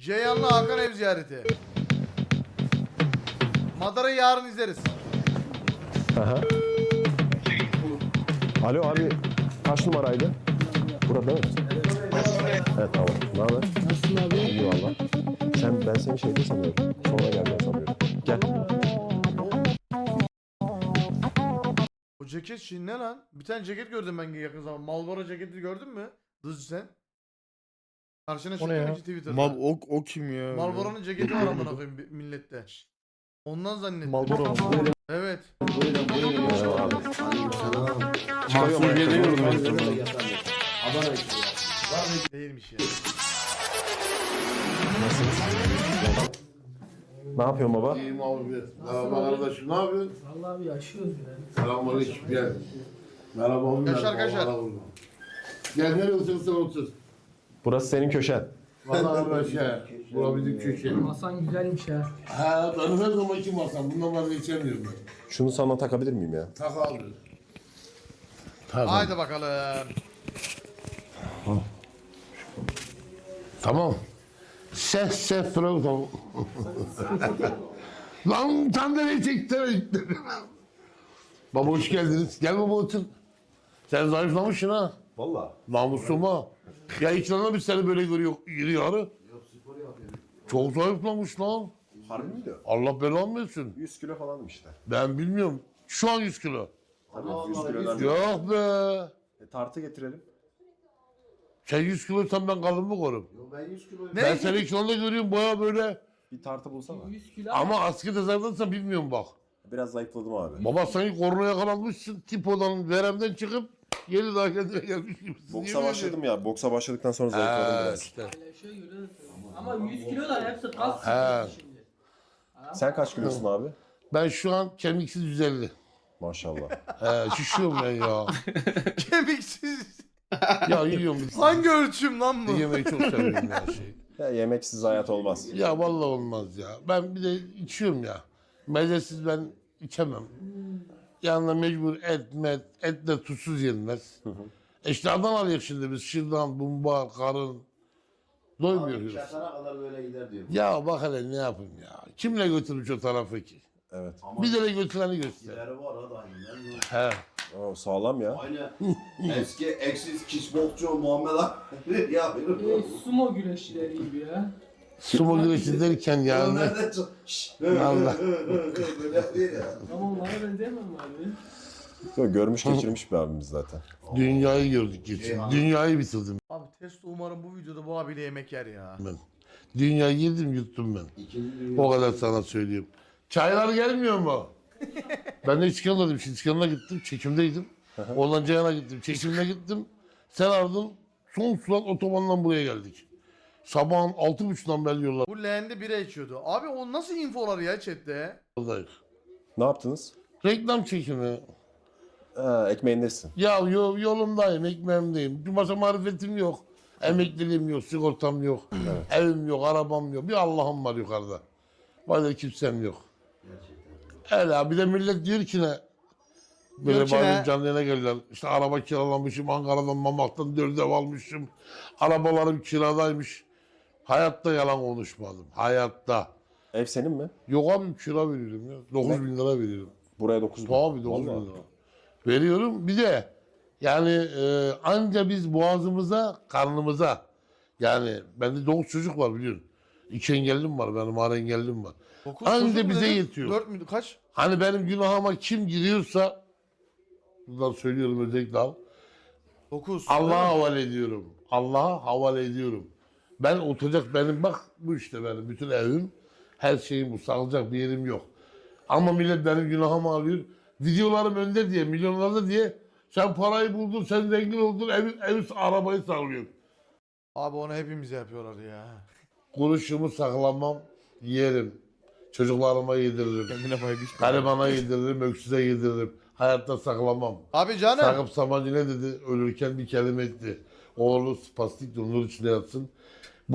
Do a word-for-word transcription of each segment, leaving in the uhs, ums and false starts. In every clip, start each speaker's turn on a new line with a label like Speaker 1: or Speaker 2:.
Speaker 1: Ceyhan'la Hakan ev ziyareti. Madara'yı yarın izleriz.
Speaker 2: Aha. Alo abi, kaç numaraydı? Burada değil mi? Evet tamam. Ne haber?
Speaker 3: Nasılsın abi?
Speaker 2: İyi valla. Sen, ben seni şeyde sanıyorum. Sonra geldiğini sanıyorum. Gel.
Speaker 1: O ceket şimdi ne lan? Bir tane ceket gördüm ben yakın zaman. Marlboro ceketi gördün mü? Dızcı sen. Karşına çıktı
Speaker 3: ya?
Speaker 1: mı ki Twitter'da?
Speaker 4: Mal o, o kim ya?
Speaker 1: Marlboro'nun ceketi var amına koyayım bi- millette. Ondan zannettim.
Speaker 3: Malboro mu?
Speaker 1: Evet.
Speaker 2: Merhaba abi.
Speaker 4: Mahsun geliyordu ben.
Speaker 1: Değilmiş ya.
Speaker 2: Ne yapıyorsun baba?
Speaker 5: İyiyim abi. Merhaba kardeşim, ne yapıyorsun?
Speaker 3: Vallahi abi yaşıyoruz ya.
Speaker 5: Selamünaleyküm, gel. Merhaba abi.
Speaker 1: Yaşar,
Speaker 5: merhaba,
Speaker 1: Yaşar.
Speaker 5: merhaba. Gel nereye oturursan otur.
Speaker 2: Burası senin köşen.
Speaker 5: Vallahi ben şey, bura bizim köşe.
Speaker 3: Masan güzelmiş ya.
Speaker 5: Ha, ben her zamanki masam, bundan vazgeçemiyorum ben.
Speaker 2: Şunu sana takabilir miyim ya?
Speaker 5: Tak abi. Tamam.
Speaker 1: Haydi bakalım.
Speaker 5: Tamam. Ses ses tamam. Lan sandalye çekti. Baba hoş geldiniz. Gel baba otur. Sen zayıflamışsın ha.
Speaker 2: Valla.
Speaker 5: Namusuma. Ya ekranda bir seni böyle görüyor, giriyor arı. Çok zayıflamış lan.
Speaker 2: Harbi miydi?
Speaker 5: Allah belanı versin.
Speaker 2: yüz kilo falanım işte.
Speaker 5: Ben bilmiyorum. Şu an yüz kilo.
Speaker 2: Tabii yüz kilodan.
Speaker 5: Yok be.
Speaker 2: E, tartı getirelim.
Speaker 5: Sen yüz kiloysan ben kalın mı korum?
Speaker 2: Ben yüz kilo.
Speaker 1: Ne?
Speaker 5: Ben seni ekranda görüyorum baya böyle.
Speaker 2: Bir tartı bulsana.
Speaker 3: yüz kilo.
Speaker 5: Ama asker tezerdansan bilmiyorum bak.
Speaker 2: Biraz zayıfladım abi.
Speaker 5: Baba sanki korona yakalanmışsın. Tipodan, veremden çıkıp geri daha kendine gelmiş gibisin.
Speaker 2: Boksa
Speaker 5: Yemin
Speaker 2: başladım ya. Boksa başladıktan sonra zayıfladım
Speaker 5: ediyorum. Ha,
Speaker 2: biraz.
Speaker 5: işte.
Speaker 3: Şöyle göre ama yüz kilo da hepsi kas
Speaker 5: He.
Speaker 3: çıkıyor şimdi.
Speaker 2: Sen kaç kilosun abi?
Speaker 5: Ben şu an kemiksiz yüz elli.
Speaker 2: Maşallah.
Speaker 5: He, şişiyorum ben ya.
Speaker 1: Kemiksiz.
Speaker 5: Ya yiyorum.
Speaker 1: Hangi ölçüm lan bu?
Speaker 5: Yemeği çok seviyorum ya şey.
Speaker 2: Ya yemeksiz hayat olmaz.
Speaker 5: Ya vallahi olmaz ya. Ben bir de içiyorum ya. Mezesiz ben içemem. Yanına mecbur et, met, et de tuzsuz yenmez. E işte Adanalı'ya şimdi biz şırdan, bumba, karın. Doymuyoruz.
Speaker 6: Çatara kadar böyle gider diyor.
Speaker 5: Ya bak hele ne yapayım ya. Kimle götürmüş o tarafı ki?
Speaker 2: Evet.
Speaker 5: Bir de götüreni göster.
Speaker 6: İleri var ha da aynen.
Speaker 5: He.
Speaker 2: O sağlam ya.
Speaker 6: Aynı eski eksiz kickboksçu Muhammed Ali ya.
Speaker 3: E, sumo güreşçileri gibi ya.
Speaker 5: Sumo güreşi derken yani.
Speaker 6: Nereden çık? Şşş.
Speaker 5: Allah.
Speaker 6: Böyle değil ya.
Speaker 3: Ama onlara benzemem abi.
Speaker 2: Yok, görmüş geçirmiş bir abimiz zaten.
Speaker 5: Dünyayı gördük geçin. Dünyayı bitirdim
Speaker 1: Abi Testo umarım bu videoda bu abiyle yemek yer ya.
Speaker 5: ben. Dünyayı yedim yuttum ben.
Speaker 6: İkinci dünya.
Speaker 5: O kadar sana söyleyeyim. Çaylar gelmiyor mu? Ben de İskender'daydım. Şimdi İskender'a gittim. Çekimdeydim. Oradan Ceyhan'a gittim. Çekimde gittim. Sen ardın son surat otobandan buraya geldik. Sabahın altı buçuktan beri yollar.
Speaker 1: Bu leğende bira içiyordu. Abi o nasıl infolar ya chatte?
Speaker 5: Yoldayız.
Speaker 2: Ne yaptınız?
Speaker 5: Reklam çekimi.
Speaker 2: Ha, ekmeğindesin.
Speaker 5: Ya yo, yolumdayım, ekmeğimdeyim. Bir masa marifetim yok. Emekliliğim yok, sigortam yok. Evim yok, arabam yok. Bir Allah'ım var yukarıda. Başka kimsem yok. Öyle bir de millet diyor ki ne? Böyle
Speaker 1: Diyor ki ne?
Speaker 5: bazı canlı yayına gelirler. İşte araba kiralamışım, Ankara'dan Mamak'tan dört ev almışım. Arabalarım kiradaymış. Hayatta yalan konuşmadım. Hayatta.
Speaker 2: Ev senin mi?
Speaker 5: Yok abi kira veriyorum ya. dokuz bin lira veriyorum.
Speaker 2: Buraya dokuz bin.
Speaker 5: Tabii dokuz bin
Speaker 2: Vallahi.
Speaker 5: lira. Veriyorum. Bir de yani e, anca biz boğazımıza, karnımıza yani bende dokuz çocuk var biliyorsun. İki engellim var benim, ağır engellim var.
Speaker 1: Dokuz
Speaker 5: Anca
Speaker 1: çocuk mu
Speaker 5: bize
Speaker 1: dedin?
Speaker 5: yetiyor.
Speaker 1: Dört mü? Kaç?
Speaker 5: Hani benim günahıma kim giriyorsa buradan söylüyorum özellikle al.
Speaker 1: Dokuz.
Speaker 5: Allah'a havale ediyorum. Allah'a havale ediyorum. Ben oturacak benim bak bu işte benim bütün evim, her şeyim bu. Sağlayacak bir yerim yok. Ama millet benim günahımı alıyor. Videolarım önde diye, milyonlarda diye sen parayı buldun, sen zengin oldun, ev, ev arabayı sağlıyor.
Speaker 1: Abi onu hepimiz yapıyorlar ya.
Speaker 5: Kuruşumu saklamam, yerim. Çocuklarıma yediririm.
Speaker 4: Kendine pay biçme.
Speaker 5: Garibana yediririm, öksüze yediririm. Hayatta saklamam.
Speaker 1: Abi canım.
Speaker 5: Sakıp Sabancı ne dedi? Ölürken bir kelime etti. Oğlu spastik de nur içinde yatsın. Bu,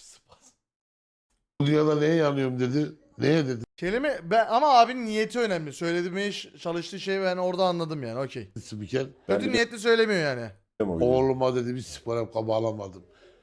Speaker 5: bu dünyada neye yanıyorum dedi. Neye dedi?
Speaker 1: Kelime ben ama abinin niyeti önemli. Söylediği iş, çalıştığı şey ben orada anladım yani. Okey.
Speaker 5: Spiker.
Speaker 2: Ben
Speaker 1: Kötü
Speaker 2: bir de-
Speaker 1: niyetli söylemiyor yani.
Speaker 2: O videoyu.
Speaker 5: Oğluma dedi bir spor yap bağlamadım.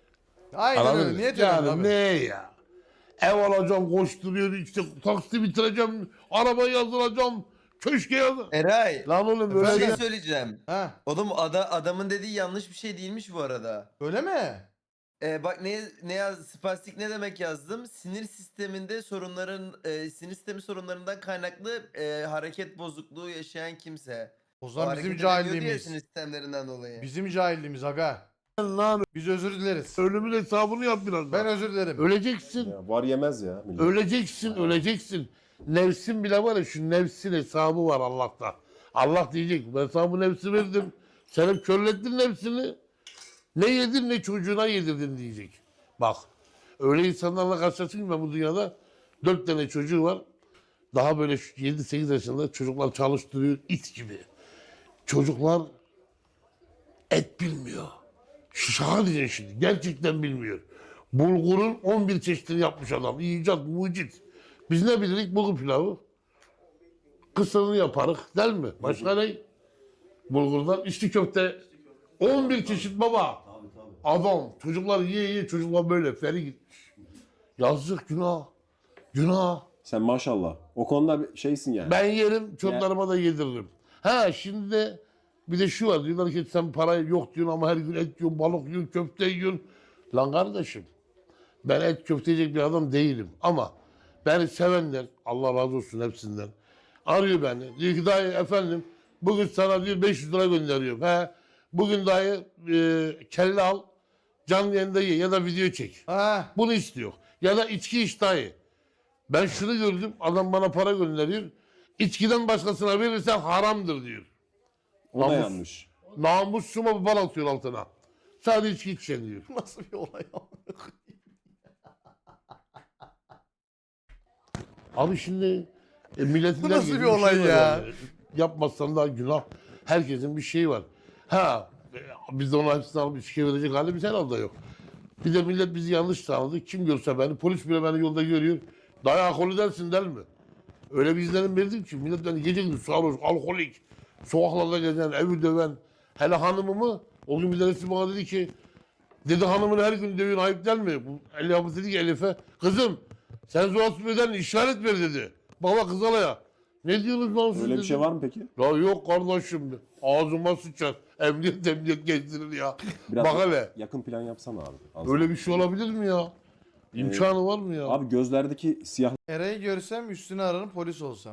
Speaker 1: Aynen
Speaker 5: Anladın
Speaker 1: öyle.
Speaker 5: mı?
Speaker 1: Niyet
Speaker 5: yani
Speaker 1: önemli
Speaker 5: ne
Speaker 1: abi.
Speaker 5: ya? Ev alacağım, koşturuyor, işte taksi bitireceğim, araba yazdıracağım, köşke yazdır.
Speaker 7: Eray,
Speaker 5: Lan oğlum
Speaker 7: bir
Speaker 5: böyle
Speaker 7: şey
Speaker 5: bir...
Speaker 7: söyleyeceğim.
Speaker 1: Ha,
Speaker 7: Oğlum ada, adamın dediği yanlış bir şey değilmiş bu arada.
Speaker 1: öyle mi?
Speaker 7: Ee, bak ne ne yaz spastik ne demek yazdım? Sinir sisteminde sorunların e, sinir sistemi sorunlarından kaynaklı e, hareket bozukluğu yaşayan kimse.
Speaker 1: O
Speaker 7: O
Speaker 1: zaman
Speaker 7: hareket
Speaker 1: bizim
Speaker 7: edemiyordu ya
Speaker 1: cahilliğimiz.
Speaker 7: sinir sistemlerinden dolayı.
Speaker 1: Bizim cahilliğimiz aga.
Speaker 5: Lan
Speaker 1: Biz özür dileriz.
Speaker 5: ölümün hesabını yap biraz
Speaker 1: Ben
Speaker 5: daha.
Speaker 1: özür dilerim.
Speaker 5: Öleceksin,
Speaker 2: Ya, var yemez ya millet.
Speaker 5: öleceksin, öleceksin. Nefsin bile var ya, şu nefsin hesabı var Allah'ta. Allah diyecek, ben sana bu nefsi verdim. Sen hep körlettin nefsini. Ne yedin ne çocuğuna yedirdin diyecek. Bak, öyle insanlarla karşılaşınca ben bu dünyada dört tane çocuğu var. Daha böyle yedi sekiz yaşında çocuklar çalıştırıyor, it gibi. Çocuklar et bilmiyor. Şu şaka diyeceksin şimdi, gerçekten bilmiyor. Bulgurun on bir çeşidini yapmış adam. İcat, mucit. Biz ne bilirik bulgur pilavı? Kısırını yaparız, değil mi? Başka ne? Bulgurdan içli köfte. on bir çeşit baba. Adam, çocuklar yiye yiye çocuklar böyle feri gitmiş. Yazık, günah. Günah.
Speaker 2: Sen maşallah. O konuda bir şeysin yani.
Speaker 5: Ben yerim, çocuklarıma da yediririm. Ha şimdi de bir de şu var, diyorlar ki sen para yok diyorsun ama her gün et yiyorsun, balık yiyorsun, köfte yiyorsun. Lan kardeşim, ben et köfte yiyecek bir adam değilim ama beni sevenler, Allah razı olsun hepsinden, arıyor beni. Diyor ki dayı efendim, bugün sana diyor beş yüz lira gönderiyorum. He, bugün dayı e, kelle al, canlı yayında ye ya da video çek.
Speaker 1: Ha,
Speaker 5: Bunu istiyor. Ya da içki iç dayı. Ben şunu gördüm, adam bana para gönderiyor. İçkiden başkasına verirsen haramdır diyor.
Speaker 2: O da
Speaker 5: Namus.
Speaker 2: yanlış.
Speaker 5: Namusuma bir bal atıyor altına. Sadece içki içeceksin diyor.
Speaker 1: nasıl bir olay ya?
Speaker 5: Abi şimdi e, milletin
Speaker 1: Bu nasıl
Speaker 5: herkesin
Speaker 1: bir olay
Speaker 5: şeyi var
Speaker 1: ya?
Speaker 5: yani. Yapmazsan daha günah. Herkesin bir şeyi var. Ha, e, biz de ona hepsini alıp içkiye verecek halimiz herhalde yok. Bir de millet bizi yanlış tanıdı. Kim görse beni, polis bile beni yolda görüyor. Dayı alkolü dersin değil mi? Öyle bir izlenim verdim ki millet beni gece gündüz sarhoş, alkolik, sokaklarda gezen, evi döven. Hele hanımımı, o gün bir tanesi bana dedi ki, dedi hanımını her gün dövün ayıp değil mi? Bu El yapısı dedi ki Elif'e, kızım sen zorasız beden işaret ver dedi. Baba kız alaya. Ne diyorsunuz lan siz
Speaker 2: Öyle bir
Speaker 5: dedi.
Speaker 2: şey var mı peki?
Speaker 5: Ya yok kardeşim, ağzıma sıçar. Emniyet emniyet gezdirir ya.
Speaker 2: Biraz
Speaker 5: Bak hele,
Speaker 2: yakın plan yapsana abi. Az.
Speaker 5: öyle bir şey olabilir mi ya? İmkanı var mı ya?
Speaker 2: Abi gözlerdeki siyah
Speaker 1: Eray'ı görsem üstüne ararım polis olsam.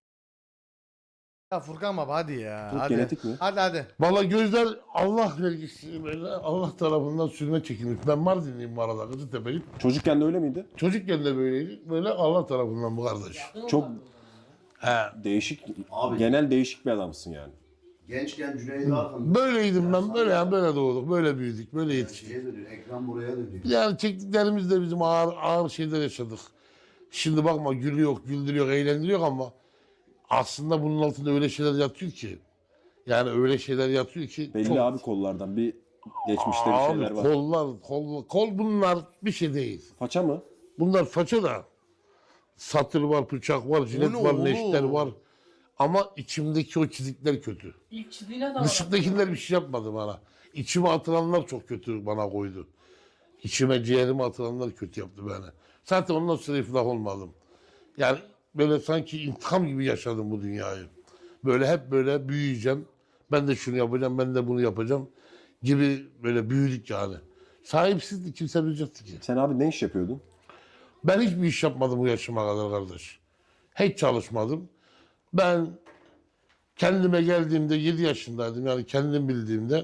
Speaker 1: Ya Furkan baba hadi ya.
Speaker 2: Çok
Speaker 1: Hadi.
Speaker 2: genetik mi?
Speaker 1: Hadi hadi.
Speaker 5: Valla gözler Allah vergisi böyle Allah tarafından sürme çekilmiş. Ben Mardinliyim bu arada, Kızıltepe'liyim.
Speaker 2: çocukken de öyle miydi?
Speaker 5: Çocukken de böyleydi. Böyle Allah tarafından bu kardeş.
Speaker 2: Çok
Speaker 5: He.
Speaker 2: değişik,
Speaker 6: Abi.
Speaker 2: genel değişik bir adamsın yani.
Speaker 6: Gençken Cüneyt'i Arkın.
Speaker 5: Böyleydim ben. Böyle yani böyle doğduk. Böyle büyüdük. Böyle yetiştik.
Speaker 6: Şeye dönüyor, ekran buraya dönüyor.
Speaker 5: Yani çektiklerimiz de bizim ağır ağır şeyler yaşadık. Şimdi bakma gülüyor, güldürüyor, eğlendiriyor ama aslında bunun altında öyle şeyler yatıyor ki. Yani öyle şeyler yatıyor ki.
Speaker 2: Belli
Speaker 5: çok-
Speaker 2: abi kollardan bir geçmişte bir
Speaker 5: Abi
Speaker 2: şeyler var.
Speaker 5: kollar, kol, kol bunlar bir şey değil.
Speaker 2: Faça mı?
Speaker 5: Bunlar faça da. Satır var, bıçak var, jilet
Speaker 1: ne
Speaker 5: var,
Speaker 1: oğlum?
Speaker 5: neşter var. Ama içimdeki o çizikler kötü.
Speaker 3: İlk çizdiğine de var.
Speaker 5: Dışındakiler bir şey yapmadı bana. İçime atılanlar çok kötü bana koydu. İçime, ciğerime atılanlar kötü yaptı beni. Zaten ondan sonra iflah olmadım. Yani böyle sanki intikam gibi yaşadım bu dünyayı. Böyle hep böyle büyüyeceğim. Ben de şunu yapacağım, ben de bunu yapacağım gibi böyle büyüdük yani. Sahipsizdi, kimse bilecekti ki.
Speaker 2: Sen abi ne iş yapıyordun?
Speaker 5: Ben hiçbir iş yapmadım bu yaşıma kadar kardeş. Hiç çalışmadım. Ben kendime geldiğimde yedi yaşındaydım. Yani kendim bildiğimde.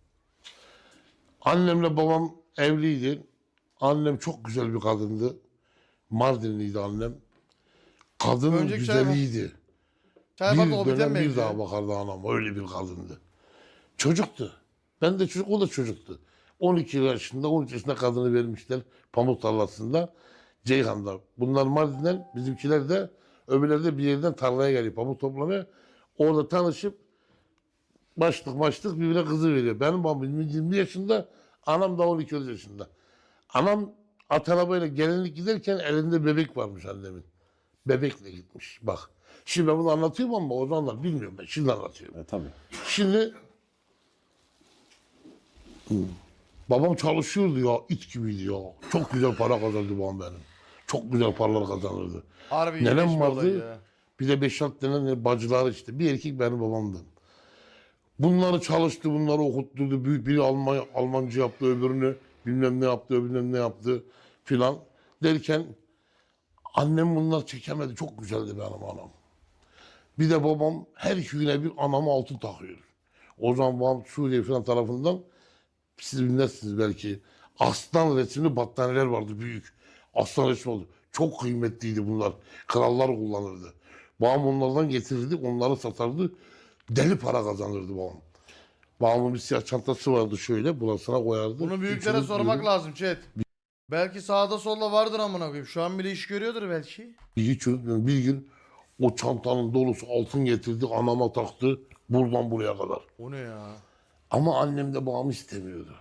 Speaker 5: Annemle babam evliydi. Annem çok güzel bir kadındı. Mardinliydi annem. Kadının
Speaker 1: Önceki çay bak-
Speaker 5: güzeliydi.
Speaker 1: Çay bak
Speaker 5: Bir
Speaker 1: o biten
Speaker 5: dönem bir
Speaker 1: benziyor.
Speaker 5: daha bakardı anam. Öyle bir kadındı. Çocuktu. Ben de çocuk, o da çocuktu. on iki yaşında, on üç yaşında kadını vermişler pamuk tarlasında. Ceyhan'da. Bunlar Mardin'den, bizimkiler de öbürleri de bir yerden tarlaya geliyor pamuk toplamaya. Orada tanışıp başlık başlık birbirine kızı veriyor. Benim babam yirmi yaşında, anam da on iki yaşında. Anam at arabayla gelinlik giderken elinde bebek varmış annemin. Bebekle gitmiş bak. Şimdi ben bunu anlatıyorum ama o zamanlar bilmiyorum ben. Şimdi anlatıyorum.
Speaker 2: E, tabii.
Speaker 5: Şimdi Babam çalışıyordu ya, it gibiydi ya. Çok güzel para kazandı babam benim. Çok güzel paralar kazanırdı.
Speaker 1: Harbi
Speaker 5: Nenem
Speaker 1: ilginç bir olay
Speaker 5: vardı.
Speaker 1: ya.
Speaker 5: Bir de beş altı tane bacılar işte. Bir erkek benim babamdı. Bunları çalıştı, bunları okutturdu. Büyük biri Alman, Almanca yaptı, öbürünü bilmem ne yaptı, bilmem ne yaptı filan. Derken annem bunlar çekemedi. Çok güzeldi benim anam. Bir de babam her iki güne bir anama altın takıyor. O zaman babam Suriye falan tarafından, siz bilmezsiniz belki, aslan resimli battaniyeler vardı büyük. Aslan resmi oldu. Çok kıymetliydi bunlar. Krallar kullanırdı. Babam onlardan getirirdi, onları satardı. Deli para kazanırdı babam. Babamın bir siyah çantası vardı şöyle, burasına koyardı.
Speaker 1: Bunu büyüklere
Speaker 5: İçini
Speaker 1: sormak
Speaker 5: böyle
Speaker 1: lazım chat. Belki sağda solda vardır amına koyayım. Şu an bile iş görüyordur belki.
Speaker 5: Bir hiç unutmuyorum. Bir gün o çantanın dolusu altın getirdi, anama taktı. Buradan buraya kadar.
Speaker 1: O ne ya?
Speaker 5: Ama annem de babamı istemiyordu.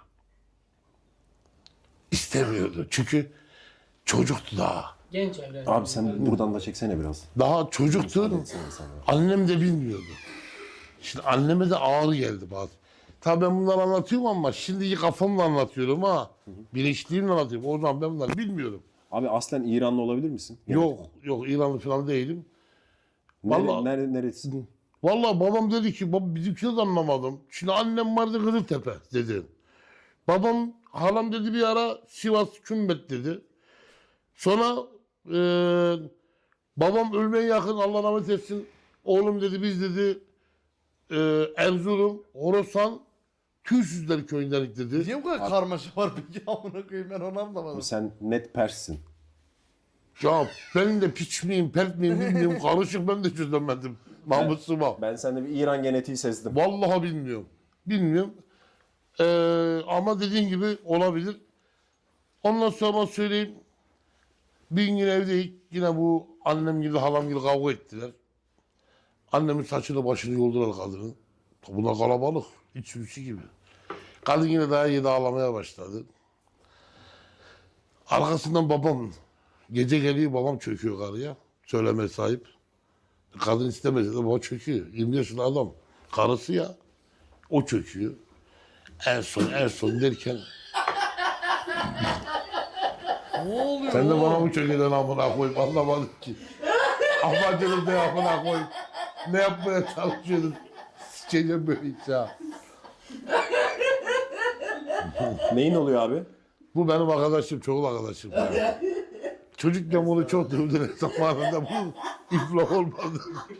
Speaker 5: İstemiyordu. Çünkü çocuktu daha.
Speaker 3: Genç evren.
Speaker 2: Abi sen buradan da çeksene biraz.
Speaker 5: Daha çocuktu.
Speaker 2: Müsaade etsene sana.
Speaker 5: Annem de bilmiyordu. Şimdi anneme de ağır geldi bazı. Tabii ben bunları anlatıyorum ama şimdiki kafamla anlatıyorum ha. Bilinçliğimle anlatıyorum. O zaman ben bunları bilmiyorum.
Speaker 2: Abi aslen İranlı olabilir misin?
Speaker 5: Yok, yok İranlı falan değilim.
Speaker 2: Nere,
Speaker 5: Vallahi-
Speaker 2: nere, neresi?
Speaker 5: Vallahi babam dedi ki, baba bizimkini de anlamadım. Şimdi annem vardı Kızıltepe dedi. Babam, halam dedi bir ara Sivas Kümbet dedi. Sonra eee, babam ölmeye yakın, Allah rahmet etsin. Oğlum dedi biz dedi eee Erzurum, Horasan, Tüysüzler köyündenik dedi.
Speaker 1: Niye bu kadar karmaşa var peki amına koyayım, ben onu anlamadım.
Speaker 2: Sen net Pers'sin.
Speaker 5: Ya ben de piç miyim, pert miyim bilmiyorum. Karışık, ben de çözemedim. Mahmut Sıma.
Speaker 2: Ben sende bir İran genetiği sezdim.
Speaker 5: Vallahi bilmiyorum. Bilmiyorum. Ee, ama dediğin gibi olabilir. Ondan sonra söyleyeyim. Bir gün evdeyiz. Yine bu annem gibi halam gibi kavga ettiler. Annemin saçını başını yoldular kadının. Buna kalabalık. İç sürüsü gibi. Kadın yine daha yedi ağlamaya başladı. Arkasından babam, gece geliyor babam çöküyor karıya. Söyleme sahip. Kadın istemese de baba çöküyor. yirmi yaşında adam. Karısı ya. O çöküyor. En son en son derken
Speaker 1: Ne oluyor?
Speaker 5: sen de
Speaker 1: oğlum?
Speaker 5: bana mı çökeden amına koyup anlamadım ki. Amacınız ne amına koyup ne yapmaya çalışıyordun? Sikeceğim böyle hiç ya.
Speaker 2: Neyin oluyor abi?
Speaker 5: Bu benim arkadaşım, çoğul arkadaşım. Ya. Çocukken bunu çok dövdüler zamanında. Bu iflah olmadı.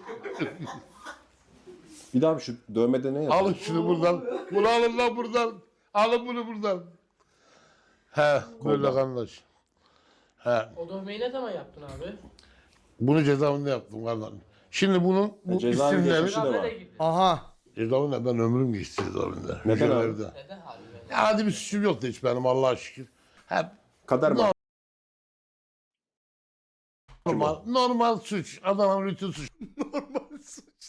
Speaker 2: Bir daha bir şu dövmede ne yazıyor?
Speaker 5: Alın şunu buradan. Bunu alın lan buradan. Alın bunu buradan. He, böyle kardeş. He,
Speaker 3: O dövmeyi ne zaman yaptın abi?
Speaker 5: bunu cezaevinde yaptım kardeş. Şimdi bunun bu
Speaker 2: Cezaevi
Speaker 5: isimleri...
Speaker 2: geçmişi de var.
Speaker 3: Nereye gitti?
Speaker 1: Aha.
Speaker 5: Cezaevinde ben ömrüm geçti cezaevinde.
Speaker 2: Neden abi?
Speaker 5: Hücrelerde.
Speaker 3: Neden abi?
Speaker 5: Ya hadi bir suçum yoktu hiç benim Allah'a şükür. Hep
Speaker 2: Kader mi?
Speaker 5: normal, normal suç. Adamın rutin
Speaker 1: Normal suç.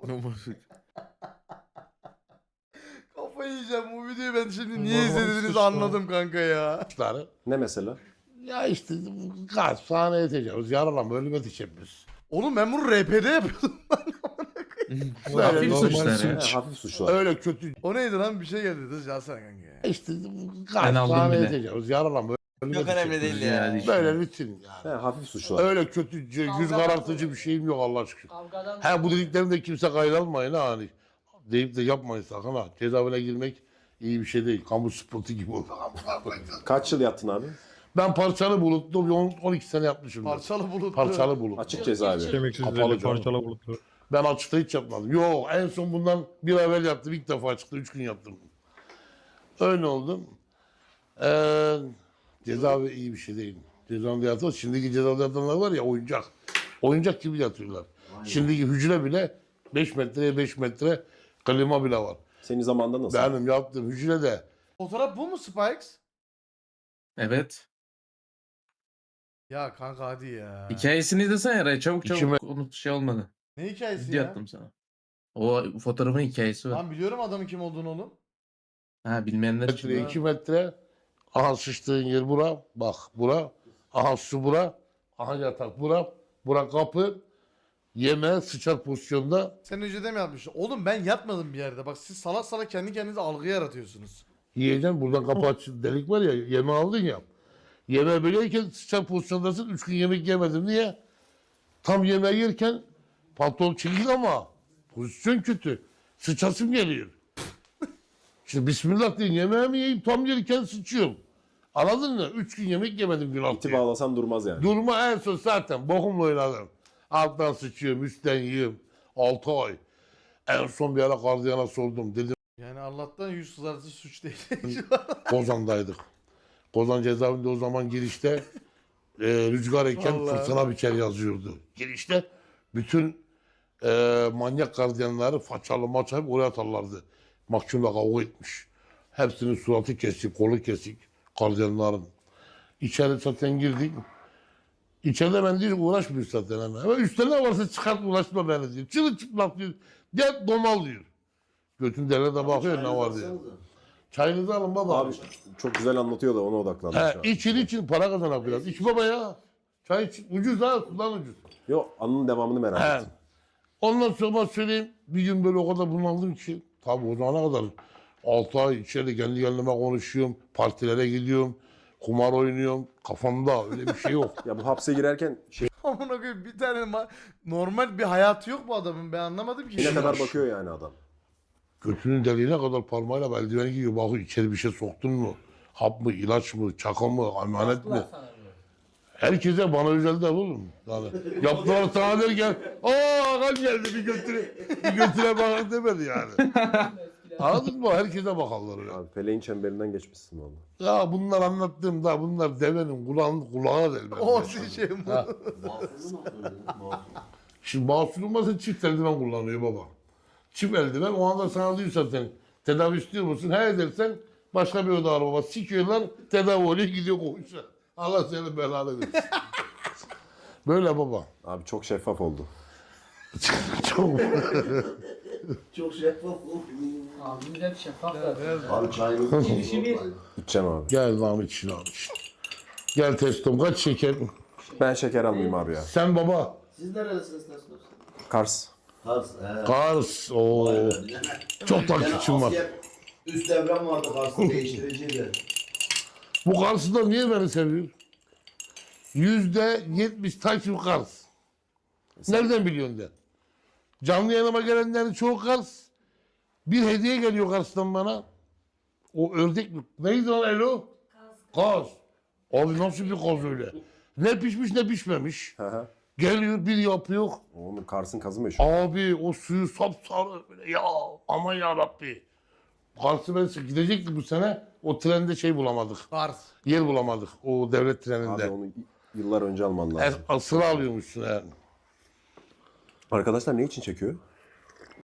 Speaker 1: Kafayı yiyeceğim, bu videoyu ben şimdi niye
Speaker 5: Normal
Speaker 1: izlediğinizi
Speaker 5: suçlar.
Speaker 1: anladım kanka ya.
Speaker 5: suçları.
Speaker 2: Ne mesela?
Speaker 5: Ya işte gasp, sahneye tecavüz, yaralama, ölüme teşebbüs.
Speaker 1: Oğlum ben bunu R P'de yapıyordum.
Speaker 5: Böyle
Speaker 4: Hafif
Speaker 5: normal
Speaker 4: suçlar ya.
Speaker 2: He, hafif suçlar.
Speaker 5: Öyle kötü.
Speaker 1: O neydi lan, bir şey geldi. Dur yazsana kanka ya.
Speaker 5: İşte
Speaker 4: Ben
Speaker 5: gasp,
Speaker 4: aldım
Speaker 5: sahneye
Speaker 4: bile.
Speaker 5: tecavüz, yaralama, ölüme
Speaker 7: Çok önemli
Speaker 5: teşebbüs.
Speaker 7: değil ya.
Speaker 4: Yani.
Speaker 5: Böyle rutin
Speaker 2: He,
Speaker 5: yani.
Speaker 2: hafif suçlar.
Speaker 5: Öyle kötü, yüz karartıcı bir şeyim yok Allah şükür.
Speaker 3: Kavgadan
Speaker 5: Ha bu dediklerimde kimse kayda almayın ha hani. Deyip de yapmayın sakın ha. Cezaevine girmek iyi bir şey değil. Kamu spotu gibi oldu.
Speaker 2: Kaç yıl yattın abi?
Speaker 5: Ben parçalı bulutlu bir on on iki sene yapmışım.
Speaker 1: Parçalı bulutlu.
Speaker 5: Parçalı bulut.
Speaker 2: Açık cezaevi.
Speaker 5: Kapalı canım. Ben açıkta hiç yapmadım. Yok en son bundan bir ay evvel yaptım. İlk defa açıkta üç gün yaptım. Öyle oldum. Ee, cezaevi iyi bir şey değil. Cezaevinde yatıyor. Şimdiki cezaevinde yatanlar var ya oyuncak. Oyuncak gibi yatıyorlar. Şimdiki hücre bile beş metreye beş metre klima bile var.
Speaker 2: Senin zamanında nasıl?
Speaker 5: Benim yaptığım hücrede
Speaker 1: Fotoğraf bu mu Spikes?
Speaker 4: Evet.
Speaker 1: Ya kanka hadi ya.
Speaker 4: Hikayesini izlesene Eray. Çabuk çabuk
Speaker 5: İçime-
Speaker 4: unut şey olmadı.
Speaker 1: Ne hikayesi
Speaker 4: Video
Speaker 1: ya?
Speaker 4: attım sana. O fotoğrafın hikayesi var.
Speaker 1: Lan biliyorum adamın kim olduğunu oğlum.
Speaker 4: Ha bilmeyenler için.
Speaker 5: metre, iki metre. Aha sıçtığın yer bura. Bak bura. Aha su bura. Aha yatak bura. Bura kapı. Yeme sıçar pozisyonda.
Speaker 1: Sen önceden mi yapmışsın? Oğlum ben yatmadım bir yerde. Bak siz salak salak kendi kendinize algı yaratıyorsunuz.
Speaker 5: Yiyeceksin buradan kapı aç, delik var ya, yemeği aldın ya. Yemeği böyle yerken sıçan pozisyondasın, üç gün yemek yemedim. Niye? Tam yemeği yerken pantolon çekik ama pozisyon kötü. Sıçasım geliyor. Şimdi bismillah deyin, yemeğimi yiyeyim, tam yerken sıçıyorum. Anladın mı? Üç gün yemek yemedim gün altı.
Speaker 2: İti bağlasan durmaz yani.
Speaker 5: Durma en son zaten bokumla oynadım. Alttan sıçıyorum, üstten yiyorum. Altı ay. En son bir ara gardiyana sordum. Dedim
Speaker 1: Yani Allah'tan yüz kızartıcı suç değil.
Speaker 5: Kozan'daydık. Kozan cezaevinde o zaman girişte e, rüzgar eken
Speaker 1: Vallahi.
Speaker 5: fırtına biçer yazıyordu. Girişte bütün e, manyak gardiyanları façalı maçayıp oraya atarlardı. Mahkumla kavga etmiş. Hepsinin suratı kesik, kolu kesik gardiyanların. İçeri zaten girdik. İçeride ben diyor uğraşmıyor zaten hemen. Ama üstte ne varsa çıkart uğraşma beni diyor. Çırılçıplak diyor. Gel domal diyor. Götün devlete bakıyor ne var diyor. Çayınızı alın baba.
Speaker 2: Abi çok güzel anlatıyor da ona odaklanmış.
Speaker 5: He,
Speaker 2: abi.
Speaker 5: için için para kazanak biraz. İç baba ya. Çay iç. Ucuz ha, sudan ucuz.
Speaker 2: Yok anının devamını merak
Speaker 5: He.
Speaker 2: ettim.
Speaker 5: Ondan sonra söyleyeyim, bir gün böyle o kadar bunaldım ki. Tabii o zamana kadar altı ay içeride kendi kendime konuşuyorum. Partilere gidiyorum. Kumar oynuyorum. Kafamda öyle bir şey yok.
Speaker 2: Ya bu hapse girerken şey
Speaker 1: Amına koyayım bir tane ma- normal bir hayatı yok bu adamın ben anlamadım ki.
Speaker 2: ne kadar bakıyor yani adam.
Speaker 5: Götünün deliğine kadar parmağıyla eldiveni giyiyor. Bakıyor içeri bir şey soktun mu? Hap mı, ilaç mı, çaka mı, emanet mi?
Speaker 3: Baktılar sana diyor.
Speaker 5: Herkese bana özel de oğlum. Yani yaptılar sana derken aa kan geldi bir götüre bir götüre bakın demedi yani. Anladın mı? Herkese bakarlar öyle.
Speaker 2: Abi feleğin çemberinden geçmişsin valla.
Speaker 5: Ya bunlar anlattığım da bunlar devenin kulağın kulağına del.
Speaker 1: O şey mi?
Speaker 5: Ha. Şimdi mahsul olmasa çift eldiven kullanıyor baba. Çift eldiven o anda sana diyor zaten tedavi istiyor musun? He dersen başka bir oda var baba. Sikiyorlar tedavi oluyor gidiyor koğuşa. Allah seni belanı versin. Böyle baba.
Speaker 2: Abi çok şeffaf oldu.
Speaker 5: Çok.
Speaker 6: Çok şeffaf oldu.
Speaker 3: Abimiz hep şeffaf da.
Speaker 6: Abi çayınızı
Speaker 3: Girişi bir.
Speaker 2: İçeceğim abi.
Speaker 5: Gel Mahmut için abi. Gel testom kaç şeker?
Speaker 2: Ben şeker almayayım abi ya.
Speaker 5: Sen baba.
Speaker 6: Siz nerelisiniz Teslos?
Speaker 2: Kars.
Speaker 6: Kars. He.
Speaker 5: Kars. Oo. Çok takipçim var.
Speaker 6: Üst devrem vardı Kars'ta değiştiriciydi.
Speaker 5: Bu Kars'ı da niye beni seviyor? Yüzde yetmiş takip Kars. Nereden biliyorsun de? Canlı yanıma gelenlerin çoğu Kars. Bir hediye geliyor Kars'tan bana. O ördek mi? Neydi lan Elo? Kaz. Abi nasıl bir kaz öyle? Ne pişmiş ne pişmemiş.
Speaker 2: Hı hı.
Speaker 5: Geliyor bir yapıyor.
Speaker 2: Oğlum Kars'ın kazı meşhur.
Speaker 5: Abi o suyu sapsarı böyle ya aman ya Rabbi. Kars'ı ben gidecektik bu sene. O trende şey bulamadık.
Speaker 1: Kars.
Speaker 5: Yer bulamadık o devlet treninde.
Speaker 2: Abi onu yıllar önce alman lazım.
Speaker 5: Es- sıra alıyormuşsun yani.
Speaker 2: Arkadaşlar ne için çekiyor?